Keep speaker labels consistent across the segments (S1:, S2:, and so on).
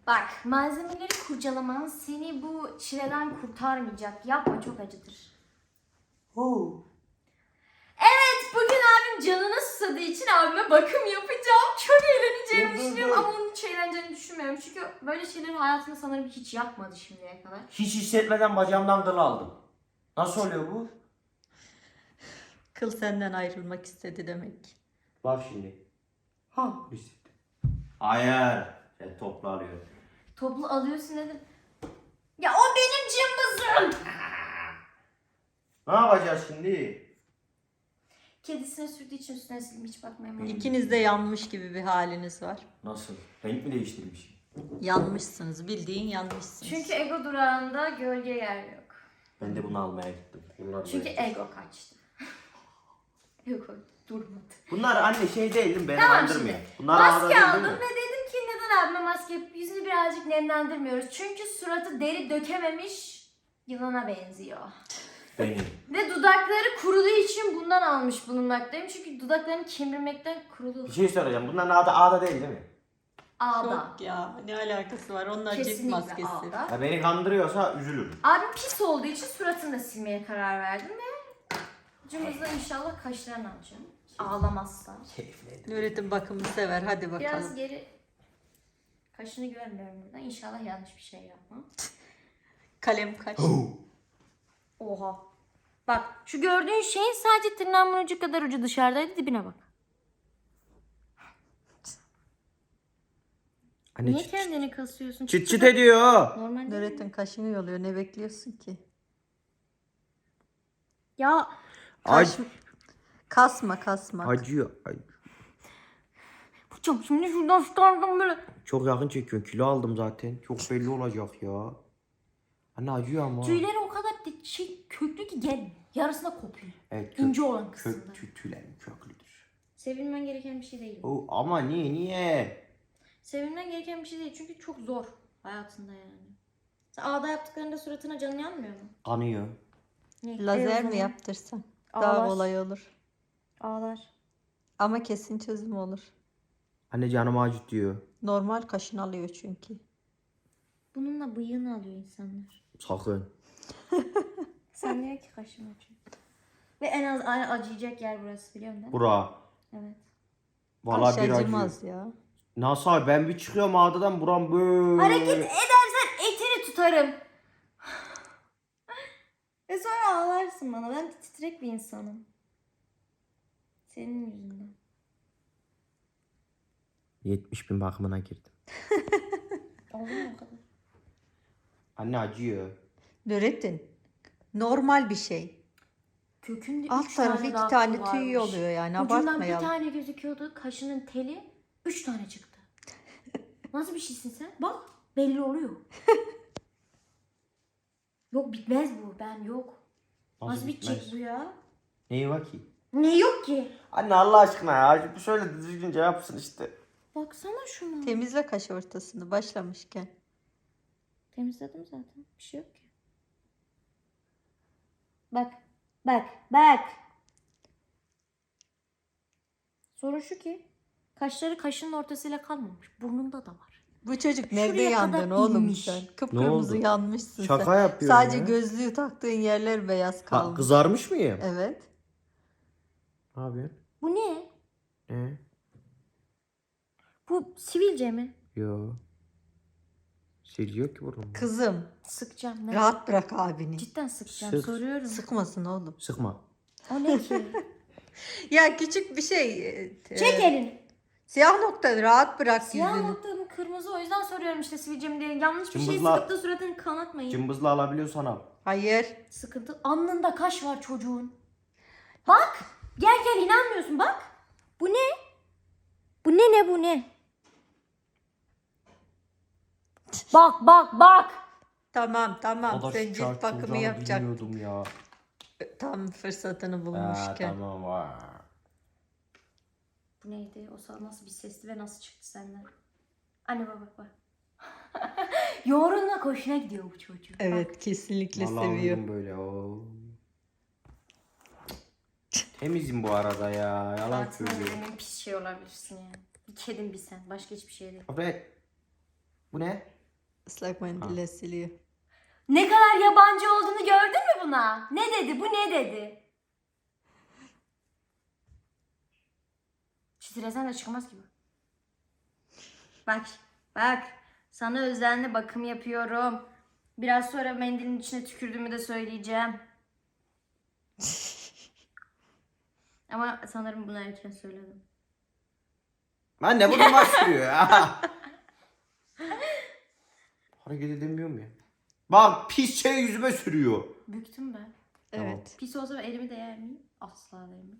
S1: Bak, malzemeleri kurcalaman seni bu çileden kurtarmayacak. Yapma, çok acıdır. Evet, bugün abim canına susadığı için abime bakım yapacağım. Çok eğleneceğimi düşünüyorum ama onun hiç eğleneceğini düşünmüyorum. Çünkü böyle şeyleri hayatında sanırım hiç yapmadı şimdiye kadar.
S2: Hiç hissetmeden bacağımdan kıl aldım. Nasıl oluyor bu?
S3: Kıl senden ayrılmak istedi demek.
S2: Bak şimdi. Ha hissettim. Hayır. Sen toplu alıyor.
S1: Toplu alıyorsun dedim. Ya o benim cımbızım.
S2: Ne yapacağız şimdi?
S1: Kedisine sürdüğü için üstüne sildim, hiç bakmayayım.
S3: İkiniz de yanmış gibi bir haliniz var.
S2: Nasıl? Renk mi değiştirmiş?
S3: Yanmışsınız. Bildiğin yanmışsınız.
S1: Çünkü ego durağında gölge yer yok.
S2: Ben de bunu almaya gittim.
S1: Çünkü ego kaçtı. Ego durmadı.
S2: Bunlar anne şey değil mi? Beni
S1: Tamam
S2: andırmıyor.
S1: şimdi.
S2: Bunlar ağrı
S1: Maske
S2: değil,
S1: aldım
S2: değil
S1: ve
S2: mi?
S1: dedim ki neden abime maske yapıp yüzünü birazcık nemlendirmiyoruz. Çünkü suratı deri dökememiş yılana benziyor.
S2: Benim.
S1: Ve dudakları kuruduğu için bundan almış bulunmaktayım. Çünkü dudaklarını kemirmekten kurulu.
S2: Bir şey soracağım. Bunların adı ağda değil mi?
S1: Ağda.
S3: Yok ya. Ne alakası var? Onlar cilt
S1: Kesinlikle
S3: maskesi.
S1: ağda.
S2: Ya beni kandırıyorsa üzülürüm.
S1: Abim pis olduğu için suratını da silmeye karar verdim ve cımbızla inşallah kaşlarını alacağım. Ağlamazsa.
S2: Keyifli.
S3: Nurettin bakımı sever. Hadi bakalım.
S1: Biraz geri kaşını görmüyorum burada. İnşallah yanlış bir şey yapmam.
S3: Kalem kaç.
S1: Oha. Bak şu gördüğün şeyin sadece tırnağımın ucu kadar ucu dışarıdaydı, dibine bak.
S2: Anne
S1: Niye kendini kasıyorsun?
S2: çıt çıt ediyor.
S1: Normal değil mi?
S3: Nurettin kaşını yoluyor. Ne bekliyorsun ki?
S1: Ya
S3: Kaş... Kasma kasma.
S2: Acıyor.
S1: bıçak şimdi şuradan çıkardım böyle.
S2: Çok yakın çekiyorsun. Kilo aldım zaten. Çok belli olacak ya. Anne acıyor ama.
S1: Tüyleri o kadar köklü ki gel yarısına kopuyor.
S2: Evet,
S1: İnce olan kısımda.
S2: tüylerim köklüdür.
S1: Sevilmen gereken bir şey değil.
S2: Ama niye?
S1: Sevilmen gereken bir şey değil çünkü çok zor hayatında yani. Sen ağda yaptıklarında suratına canın yanmıyor mu?
S2: Kanıyor.
S1: Ne?
S3: Lazer
S1: o
S3: mi
S1: zaman.
S3: yaptırsan? Daha
S1: Ağlar.
S3: kolay olur.
S1: Ağlar.
S3: Ama kesin çözüm olur.
S2: Anne canım acıtıyor.
S3: Normal kaşın alıyor çünkü.
S1: Bununla bıyığını alıyor insanlar.
S2: Sakın.
S1: Sen diyor ki kaşım acıyor. Ve en az acıyacak yer burası, biliyor musun?
S2: Bura.
S1: Evet.
S2: Vallahi
S3: Kaş
S2: bir acıyor.
S3: acımaz ya.
S2: Nasıl abi? Ben bir çıkıyorum ağdadan buram böyle.
S1: Hareket edersen etini tutarım. Ve sonra ağlarsın bana. Ben titrek bir insanım. Senin yüzünden.
S2: 70.000 bakımına girdim.
S1: Oldu mu o kadar?
S2: Anne acıyor.
S3: Nurettin. Normal bir şey.
S1: Kökünde
S3: Alt
S1: 3
S3: tarafı
S1: tane
S3: 2
S1: daha
S3: tane
S1: kıl
S3: tüy
S1: varmış.
S3: oluyor yani.
S1: Ucundan bir
S3: Abartmayalım.
S1: tane gözüküyordu. Kaşının teli 3 tane çıktı. Nasıl bir şeysin sen? Bak belli oluyor. Yok bitmez bu. Ben yok. Nasıl bitecek
S2: bitmez?
S1: bu ya?
S2: Neyi var ki?
S1: Ne yok ki?
S2: Anne Allah aşkına ya. Şöyle düzgünce yapsın işte.
S1: Baksana şuna.
S3: Temizle kaş ortasını başlamışken.
S1: Temizledim zaten. Bir şey yok ki. Bak. Bak. Bak. Sorun şu ki kaşları kaşının ortasıyla kalmamış. Burnunda da var.
S3: Bu çocuk nerede
S1: Şuraya
S3: yandın
S1: kadar
S3: oğlum
S1: inmiş.
S3: sen?
S2: Ne
S3: Kıpkırmızı
S2: oldu?
S3: yanmışsın
S2: Şaka
S3: sen.
S2: yapıyorum
S3: Sadece
S2: ya.
S3: gözlüğü taktığın yerler beyaz kalmış.
S2: Kızarmış mıyım?
S3: Evet.
S2: Ne yapıyorsun?
S1: Bu ne?
S2: Ne?
S1: Bu sivilce mi?
S2: Yo. Siliyor ki burnumu.
S3: Kızım
S1: Sıkacağım. Ne?
S3: rahat bırak abini.
S1: Cidden sıkacağım.
S2: Sık.
S1: Soruyorum.
S3: Sıkmasın oğlum.
S2: Sıkma.
S1: O ne ki?
S3: Ya küçük bir şey.
S1: Çek elini.
S3: Siyah nokta rahat bırak
S1: Siyah
S3: yüzünü.
S1: noktanın kırmızı, o yüzden soruyorum işte sivilce mi diye. Yanlış bir şey
S2: Cımbızla-
S1: sıkıp da suratını kanatmayın.
S2: Cımbızla alabiliyorsan al.
S3: Hayır.
S1: Sıkıntı. Alnında kaş var çocuğun. Bak. Gel gel, inanmıyorsun bak. Bu ne? Bu ne bu ne? Bak bak bak.
S3: Tamam tamam.
S2: O da
S3: Sen
S2: şu
S3: cilt bakımı
S2: çarpılacağını
S3: yapacaksın.
S2: bilmiyordum ya.
S3: Tam fırsatını bulmuşken.
S2: Tamam var.
S1: Bu neydi? O nasıl bir sesti ve nasıl çıktı senden? Anne bak bak. Yoğurunla hoşuna gidiyor bu çocuk.
S3: Evet
S1: Bak.
S3: kesinlikle
S2: Vallahi
S3: seviyor.
S2: uyudum böyle. Oo. Temizim bu arada ya. Yalan
S1: Hayatımda
S2: söylüyorum.
S1: en pis şey olabilirsin yani. Bir kedin bir sen. Başka hiçbir şey değil.
S2: Abi bu ne?
S3: Islak mendille siliyor.
S1: Ne kadar yabancı olduğunu gördün mü buna? Ne dedi? Bu ne dedi? Stresen de çıkamaz gibi. Bak, bak. Sana özenli bakım yapıyorum. Biraz sonra mendilin içine tükürdüğümü de söyleyeceğim. Ama sanırım bunu erken söyledim.
S2: Anne bu namaz sürüyor ya. Hareket edemiyorum ya. Bak pis şey yüzüme sürüyor.
S1: Büktüm ben.
S3: Evet.
S1: Pis olsa elimi değer miyim? Asla değmem.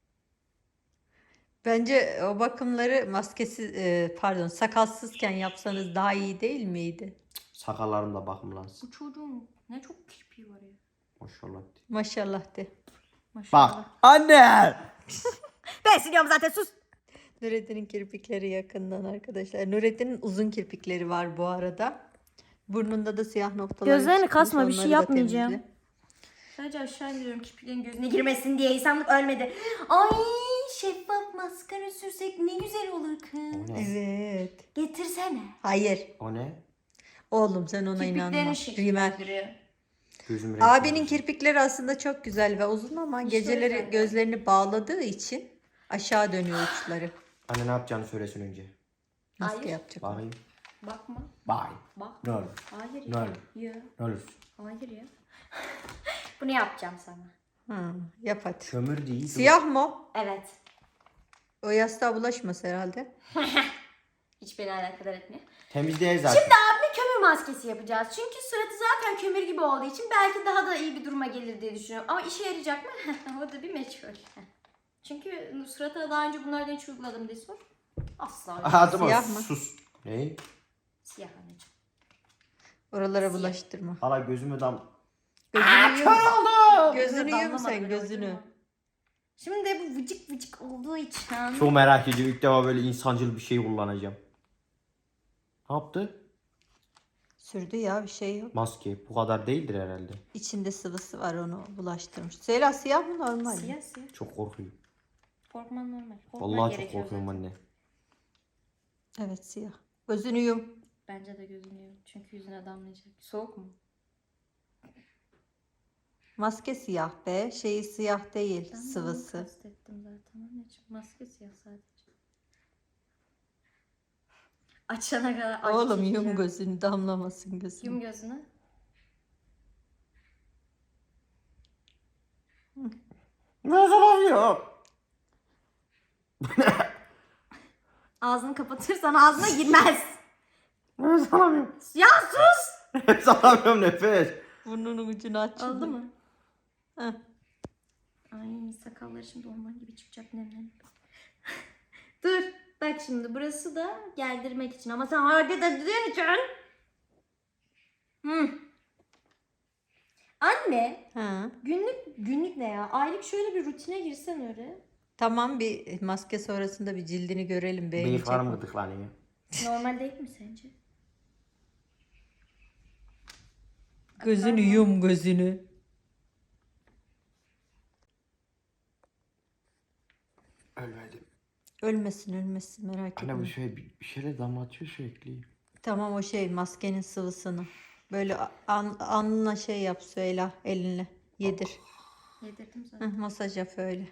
S3: Bence o bakımları maskesiz, sakalsızken yapsanız daha iyi değil miydi?
S2: Sakallarım da bakımlansın.
S1: Bu çocuğun ne çok kirpiği var ya.
S2: Maşallah.
S3: Maşallah de.
S1: Maşallah.
S2: Bak anne.
S1: Ben siliyorum zaten, sus.
S3: Nurettin'in kirpikleri yakından arkadaşlar. Nurettin'in uzun kirpikleri var bu arada. Burnunda da siyah noktalar.
S1: Gözlerini
S3: çıkmış,
S1: kasma, bir şey
S3: onları da
S1: yapmayacağım.
S3: temizle.
S1: Sadece aşağı indiriyorum kirpiklerin gözüne girmesin diye. İnsanlık ölmedi. Ay, şeffaf maskara sürsek ne güzel olur kız.
S2: O ne?
S3: Evet.
S1: Getirsene.
S3: Hayır.
S2: O ne?
S3: Oğlum sen ona inanma.
S1: Kirpiklerini
S3: Rimel.
S1: şekillendiriyor.
S2: Gözüm renkli.
S3: Abinin kirpikleri aslında çok güzel ve uzun ama
S1: İşte o
S3: geceleri
S1: yüzden.
S3: gözlerini bağladığı için aşağı dönüyor uçları.
S2: Anne ne yapacağını söylesin önce.
S3: Maske
S1: Hayır.
S3: yapacak.
S2: Bakayım.
S1: Bakma.
S2: Bye.
S1: Bak.
S2: Ne olur.
S1: Hayır
S2: Ne
S1: ya.
S2: olur.
S1: Ya.
S2: Ne olur.
S1: Hayır ya. Bunu yapacağım sana.
S3: Yap hadi.
S2: Kömür değil.
S3: Siyah mı?
S1: Evet.
S3: O yastığa bulaşmaz herhalde.
S1: Hiç beni alakadar etmiyor.
S2: Temiz değil zaten.
S1: Şimdi abime kömür maskesi yapacağız. Çünkü suratı zaten kömür gibi olduğu için belki daha da iyi bir duruma gelir diye düşünüyorum. Ama işe yarayacak mı? O da bir meçhul. Çünkü surata daha önce bunlardan hiç uyguladım diye sor. Asla.
S2: Ağzıma
S3: Siyah mı?
S2: sus. Ne?
S1: Siyah anneciğim.
S3: Oralara bulaştırma.
S2: Hala gözümü dam.
S3: Gözünü yum.
S2: oldu.
S3: Gözünü yum
S1: Damlamadı
S3: sen
S1: bile,
S3: gözünü.
S1: gördün mü? Şimdi de bu vıcık vıcık olduğu için.
S2: Çok merak ediyorum. İlk defa böyle insancıl bir şey kullanacağım. Ne yaptı?
S3: Sürdü ya bir şey yok.
S2: Maske. Bu kadar değildir herhalde.
S3: İçinde sıvısı var onu bulaştırmış. Seyla siyah mı normal mi?
S1: Siyah siyah.
S2: Çok korkuyorum.
S1: Korkman normal. Korkman
S2: Vallahi çok
S1: gerekiyor
S2: korkuyorum
S1: zaten.
S2: anne.
S3: Evet siyah. Gözünü yum.
S1: Bence de gözünü yum. Çünkü yüzüne damlayacak. Soğuk mu?
S3: Maske siyah be. Şeyi siyah değil.
S1: Ben de onu
S3: Sıvısı.
S1: kastettim zaten anneciğim. Maske siyah sadece. Açana kadar acı
S3: Oğlum yum
S1: çekeceğim.
S3: gözünü damlamasın gözünü.
S1: Yum gözünü.
S2: Ne zaman
S1: Ağzını kapatırsan ağzına girmez.
S2: Nefes alamıyorum.
S1: Ya sus!
S2: Nefes alamıyorum nefes.
S3: Burnunun ucunu aç. şimdi.
S1: Oldu mu?
S3: Heh.
S1: Ay sakalları şimdi orman gibi çıkacak nemlenip. Dur. Bak şimdi burası da geldirmek için ama sen hareket edeceğin için. Anne,
S3: Ha.
S1: günlük ne ya? Aylık şöyle bir rutine girsen öyle.
S3: Tamam bir maske sonrasında bir cildini görelim beğenecek
S2: Bıyıklarım
S3: mi?
S2: gıdıklanıyor.
S1: Normal değil mi sence?
S3: Gözünü yum gözünü.
S2: Ölmedim.
S3: Ölmesin merak
S2: Anne bu
S3: etme.
S2: şey bir şeyler damlatıyor sürekli.
S3: Tamam o şey maskenin sıvısını. Böyle alnına şey yap söyle elinle. Yedir.
S1: Yedirdim zaten.
S3: Masaj yap öyle.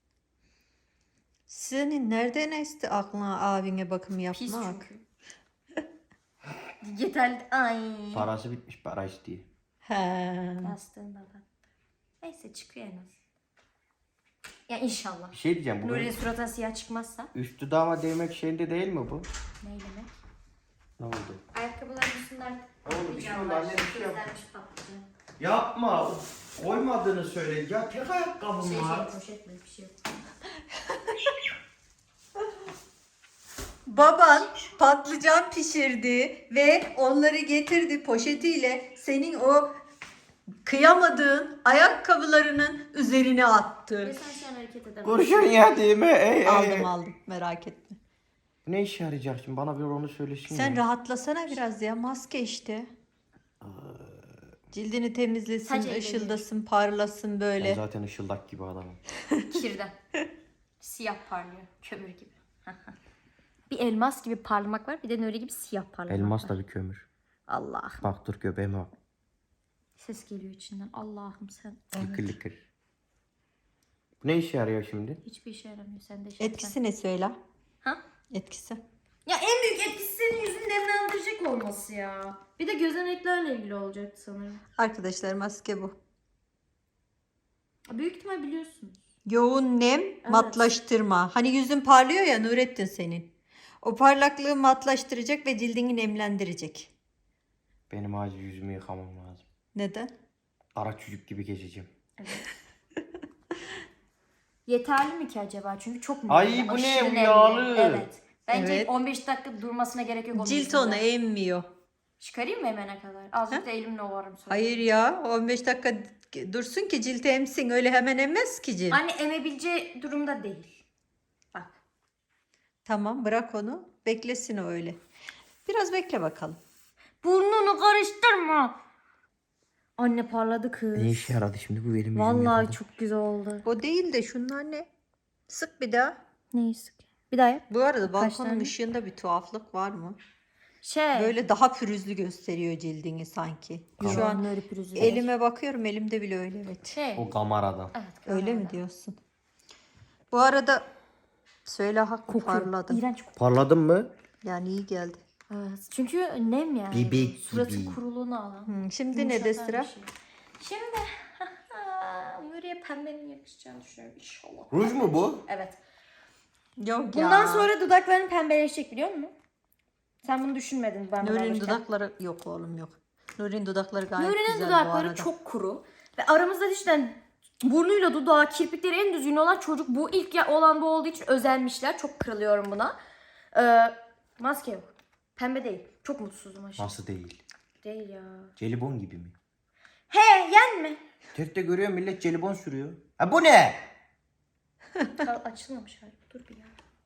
S3: Senin nereden esti aklına abine bakım
S1: Pis
S3: yapmak?
S1: çünkü. Yeterli. Ay.
S2: Parası bitmiş para istiyor.
S3: He.
S1: Bastığında battı. Neyse çıkıyor en az. Ya inşallah.
S2: Bir şey diyeceğim. Bu
S1: Nuri'nin suratına siyah çıkmazsa.
S2: üst dudağıma değmek şeyinde değil mi bu?
S1: Ne demek?
S2: Ne oldu?
S1: Ayakkabıların üstünde artık
S2: Oğlum, bir şey oldu,
S1: patlıcanlar,
S2: anne, bir şey yap.
S1: közlenmiş patlıcan.
S2: Yapma. Koymadığını söyle. Ya tek ayakkabım var.
S1: Poşetle bir şey yok.
S3: Baban patlıcan pişirdi ve onları getirdi poşetiyle senin o kıyamadığın ayakkabılarının üzerine
S1: Ve
S3: attı.
S1: sen şu an hareket edemezsin.
S2: Kurşun yediğimi.
S3: Aldım merak etme.
S2: Ne işe yarayacak şimdi? Bana bir onu söylesin.
S3: Sen
S2: ya.
S3: rahatlasana biraz ya maske işte. Cildini temizlesin,
S1: Sadece
S3: ışıldasın, parlasın
S2: Ben
S3: böyle.
S2: zaten ışıldak gibi adamım.
S1: Kirden. Siyah parlıyor. Kömür gibi. Bir elmas gibi parlamak var. Bir de Nuri gibi siyah parlamak
S2: Elmas
S1: var.
S2: da bir kömür.
S1: Allah'ım.
S2: Bak dur göbeğime bak.
S1: Ses geliyor içinden. Allah'ım sen.
S2: Lıkır lıkır. Bu ne işe yarıyor şimdi?
S1: Hiçbir işe yaramıyor. Sen de şey
S3: Etkisi ne söyle?
S1: Ha?
S3: Etkisi.
S1: Ya en büyük etkisi senin yüzünü nemlendirecek olması ya. Bir de gözeneklerle ilgili olacaktı sanırım.
S3: Arkadaşlar maske bu.
S1: Büyük ihtimal biliyorsunuz.
S3: Yoğun nem, matlaştırma. Hani yüzün parlıyor ya Nurettin senin. O parlaklığı matlaştıracak ve cildini nemlendirecek.
S2: Benim acil yüzümü yıkamam lazım.
S3: Neden?
S2: Kara çocuk gibi geçeceğim.
S1: Yeterli mi ki acaba? Çünkü çok nemli.
S2: Ay, bu ne?
S1: aşırı
S2: Bu
S1: nemli.
S2: yağlı.
S1: Evet. Bence
S3: Evet.
S1: 15 dakika durmasına gerek yok. onun
S3: Cilt
S1: yüzünde.
S3: onu emmiyor.
S1: Çıkarayım mı emene kadar? Azıcık da elimle ovarım sonra.
S3: Hayır ya 15 dakika dursun ki cilt emsin. Öyle hemen emmez ki cilt.
S1: Anne emebileceği durumda değil. Bak.
S3: Tamam bırak onu. Beklesin o öyle. Biraz bekle bakalım.
S1: Burnunu karıştırma. Anne parladı kız.
S2: Ne işe yaradı şimdi bu benim yüzümü
S1: Vallahi
S2: yıkadı.
S1: çok güzel oldu.
S3: O değil de şunlar ne? Sık bir daha.
S1: Neyse. Bir daha yap.
S3: Bu arada
S1: Kaç
S3: balkonun
S1: tane?
S3: ışığında bir tuhaflık var mı?
S1: Şey.
S3: Böyle daha pürüzlü gösteriyor cildini sanki. Şu an
S1: öyle pürüzü.
S3: elime bakıyorum elimde bile öyle evet.
S1: Şey.
S2: O kameradan.
S1: Evet.
S3: Öyle mi diyorsun? Bu arada söyle haklı parladım.
S1: İğrenç kokuyor.
S2: Parladın mı?
S3: Yani iyi geldi.
S1: Evet. Çünkü nem yani.
S2: Bebek
S1: Suratı
S2: gibi.
S1: kuruluğunu alan.
S3: Şimdi ne de
S1: Yumuşatan
S3: sıra?
S1: bir şey. Şimdi Nuriye pembenin yakışacağını düşünüyorum inşallah.
S2: Ruj mu bu?
S1: Evet.
S3: Yok
S1: Bundan
S3: ya.
S1: sonra dudakların pembeleşecek biliyor musun? Sen bunu düşünmedin ben bunu
S3: Nuri'nin
S1: alırken.
S3: dudakları yok oğlum yok. Nuri'nin dudakları gayet
S1: Nuri'nin
S3: güzel bu
S1: dudakları
S3: arada.
S1: çok kuru. Ve aramızda cidden burnuyla dudağı, kirpikleri en düzgün olan çocuk bu. İlk olan bu olduğu için özenmişler. Çok kırılıyorum buna. Maske yok. Pembe değil. Çok mutsuzum aşırı.
S2: Nasıl değil?
S1: Değil ya.
S2: Jelibon gibi mi?
S1: He yenme.
S2: Teste görüyor millet jelibon sürüyor. Ha bu ne?
S1: Açılmamış galiba. Dur bir ya.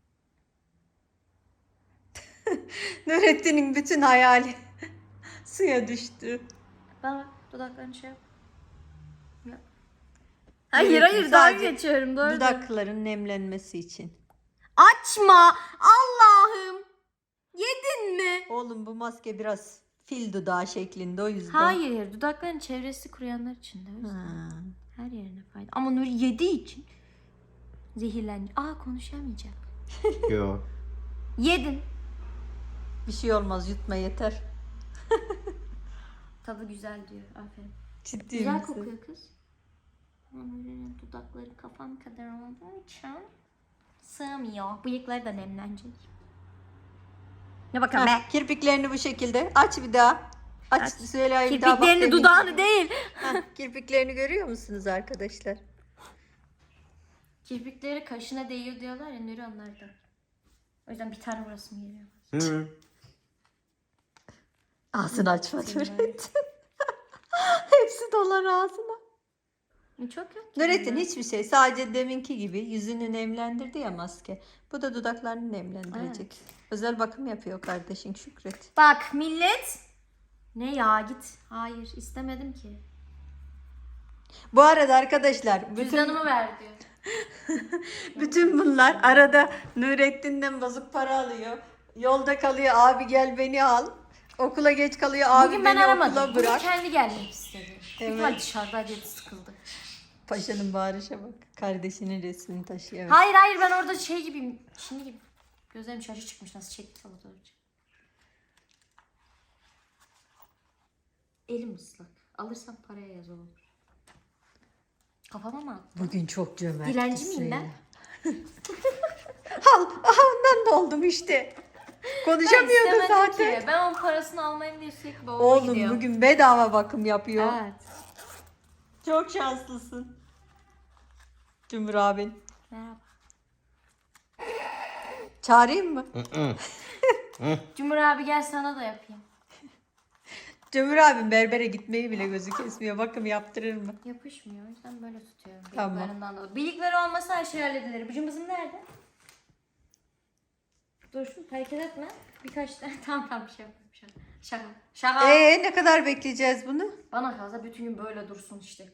S3: Nurettin'in bütün hayali suya düştü.
S1: Bana bak dudaklarını şey yap. Yap.
S3: Hayır,
S1: Hayır daha
S3: sadece
S1: geçiyorum. Doğru.
S3: Dudakların nemlenmesi için.
S1: Açma. Allah'ım. Yedin mi?
S3: Oğlum bu maske biraz fil dudağı şeklinde o yüzden.
S1: Hayır. Dudakların çevresi kuruyanlar için de. O yüzden.
S3: Ha.
S1: Her yerine fayda. Ama Nuri yediği için zehirlendi. konuşamayacak.
S2: Yo.
S1: Yedin.
S3: Bir şey olmaz yutma yeter.
S1: Tadı güzel diyor. Aferin.
S3: Ciddi
S1: Güzel
S3: misin?
S1: kokuyor kız. Ama Nuri'nin dudakları kafam kadar olduğu için sığmıyor. Bıyıkları da nemlenecek. Ne bakalım be.
S3: Heh, kirpiklerini bu şekilde aç bir daha. Aç söyle bir daha bak.
S1: Kirpiklerini
S3: demin.
S1: dudağını değil.
S3: Heh, kirpiklerini görüyor musunuz arkadaşlar?
S1: Kirpikleri kaşına değiyor diyorlar ya Nuri onlardan. O yüzden bir tane vurasım geliyor.
S2: Hı.
S3: Ağzını açma
S1: Senin
S3: Nurettin. Hepsi dolar ağzına.
S1: Çok yok. ki
S3: Nurettin
S1: bunda.
S3: hiçbir şey. Sadece deminki gibi yüzünü nemlendirdi ya maske. Bu da dudaklarını nemlendirecek. Özel bakım yapıyor kardeşin Şükret.
S1: Bak millet. Ne ya git. Hayır istemedim ki.
S3: Bu arada arkadaşlar
S1: Cüzdanımı ver diyor.
S3: bütün bunlar arada Nurettin'den bozuk para alıyor. Yolda kalıyor abi gel beni al. Okula geç kalıyor abi
S1: Bugün ben
S3: beni
S1: aramadım.
S3: okula
S1: Bugün
S3: bırak.
S1: kendi gelmek istedi.
S3: Evet.
S1: Evet. Dışarıda diye sıkıldı.
S3: Paşanın bağırışa bak. Kardeşinin resmini taşıyor. Evet.
S1: Hayır ben orada şey gibiyim. Şimdi gibi. Gözlerim şaşı çıkmış nasıl çekti fotoğrafı. Elim ıslak. Alırsam paraya yaz olur. Kafama mı attın?
S3: Bugün çok cömert.
S1: Dilenci miyim ben?
S3: Al, ondan da oldum işte. Konuşamıyordu
S1: istemedim
S3: zaten.
S1: ki. Ben onun parasını almayayım diye sürekli babama
S3: Oğlum
S1: gidiyorum.
S3: bugün bedava bakım yapıyor.
S1: Evet.
S3: Çok şanslısın. Cumhur abin.
S1: Merhaba.
S3: Çağırayım mı?
S1: Cumhur abi gel sana da yapayım.
S3: Cumhur abim berbere gitmeyi bile gözü kesmiyor. Bakım yaptırır mı?
S1: Yapışmıyor. O yüzden böyle tutuyorum.
S3: Tamam.
S1: Bıyıklarından dolayı. Bıyıkları olmasa her şey halledilir. Bıcımızın nerede? Dur hareket etme. Birkaç tane. Tamam bir şey yapıyorum. Şaka.
S3: Ne kadar bekleyeceğiz bunu?
S1: Bana kalsa bütün gün böyle dursun işte.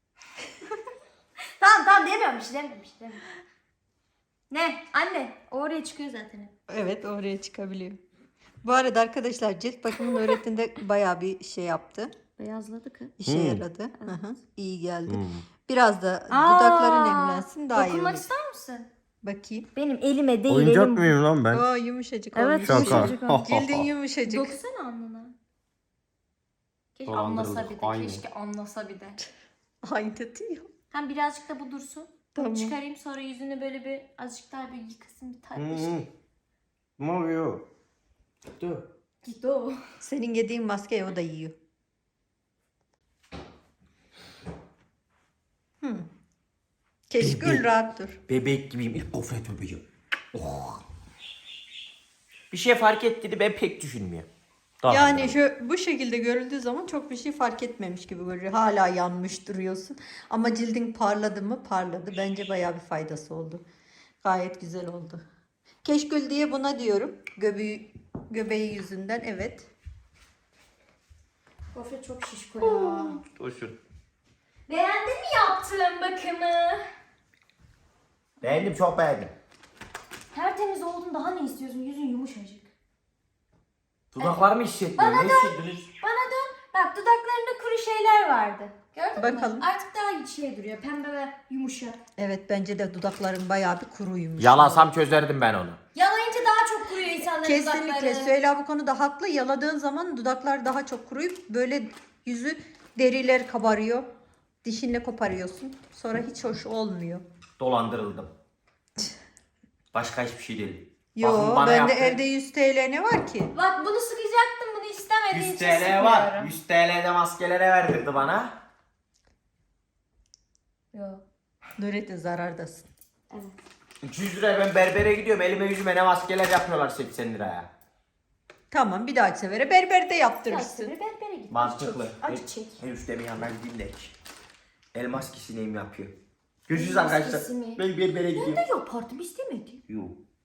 S1: tamam demiyorum bir şey demiyorum. Ne? Anne o oraya çıkıyor zaten hep.
S3: Evet oraya çıkabiliyor. Bu arada arkadaşlar cilt bakımı Nurettin'de bayağı bir şey yaptı.
S1: Beyazladı kız.
S3: İşe yaradı. Hı hı, iyi geldi.
S2: Hmm.
S3: Biraz da dudakların nemlensin daha iyi
S1: Dokunmak
S3: olur.
S1: ister misin?
S3: Bakayım.
S1: Benim elime değil
S2: Oyuncak
S1: elim.
S2: mıyım lan ben?
S3: Aa yumuşacık
S1: Evet,
S3: olmuş.
S2: Şaka.
S1: yumuşacık olmuş.
S3: Cildin yumuşacık.
S1: Dokunsana alnına. Keşke
S2: Dolandırıldık,
S1: anlasa bir de.
S2: aynı.
S1: Keşke anlasa bir de.
S3: Aynı diyor.
S1: Hem birazcık da bu dursun.
S3: Tamam.
S1: Çıkarayım sonra yüzünü böyle bir azıcık daha bir yıkasın bir tartış.
S2: Ne oluyor? Dur.
S1: Git o.
S3: Senin yediğin maskeyi o da yiyor. Keşkül rahat dur.
S2: Bebek gibiyim. İlk gofret öpeceğim. Oh. Bir şey fark etti ben pek düşünmüyorum.
S3: Yani bu şekilde görüldüğü zaman çok bir şey fark etmemiş gibi görünüyor. Hala yanmış duruyorsun. Ama cildin parladı mı? Parladı. Bence bayağı bir faydası oldu. Gayet güzel oldu. Keşkül diye buna diyorum. Göbeği yüzünden evet.
S1: Gofret çok şişko ya.
S2: Dursun.
S1: Beğendin mi yaptığım bakımı?
S2: Beğendim, çok beğendim.
S1: Tertemiz oldun, daha ne istiyorsun? Yüzün yumuşacık.
S2: Dudaklarımı hissetmiyorum. Ne hissettiniz?
S1: Bana dön. Bak dudaklarında kuru şeyler vardı. Gördün
S3: Bakalım.
S1: mü? Artık daha iyi şey duruyor. Pembe ve yumuşak.
S3: Evet bence de dudakların bayağı bir kuruymuş.
S2: Yalasam çözerdim ben onu.
S1: Yalayınca daha çok kuruyor insanların
S3: Kesinlikle.
S1: dudakları.
S3: Süheyla bu konuda haklı. Yaladığın zaman dudaklar daha çok kuruyup böyle yüzü deriler kabarıyor. Dişinle koparıyorsun. Sonra hiç hoş olmuyor.
S2: Dolandırıldım. Başka hiçbir şey değil.
S3: Yo
S2: Bakın bana
S3: bende
S2: yaptı.
S3: evde 100 TL ne var ki?
S1: Bak bunu sıkacaktım, bunu istemediği
S2: 100
S1: için
S2: TL var.
S1: sıkmıyorum.
S2: 100 TL'de maskelere verdirdi bana.
S1: Yok.
S3: Nurettin zarardasın.
S1: Evet.
S2: 200 liraya ben berbere gidiyorum. Elime yüzüme ne maskeler yapıyorlar 80 liraya.
S3: Tamam bir dahaki sefere berberde yaptırırsın.
S1: Biraz berbere git.
S2: Mantıklı.
S1: Acı çek.
S2: En üstte bir yandan gideyim de. El maskesi neyim yapıyor. Görüşürüz
S1: El maskesi
S2: arkadaşlar.
S1: mi?
S2: Ben berbere
S1: Ben
S2: gidiyorum.
S1: de yapardım, istemedim.
S2: Yok.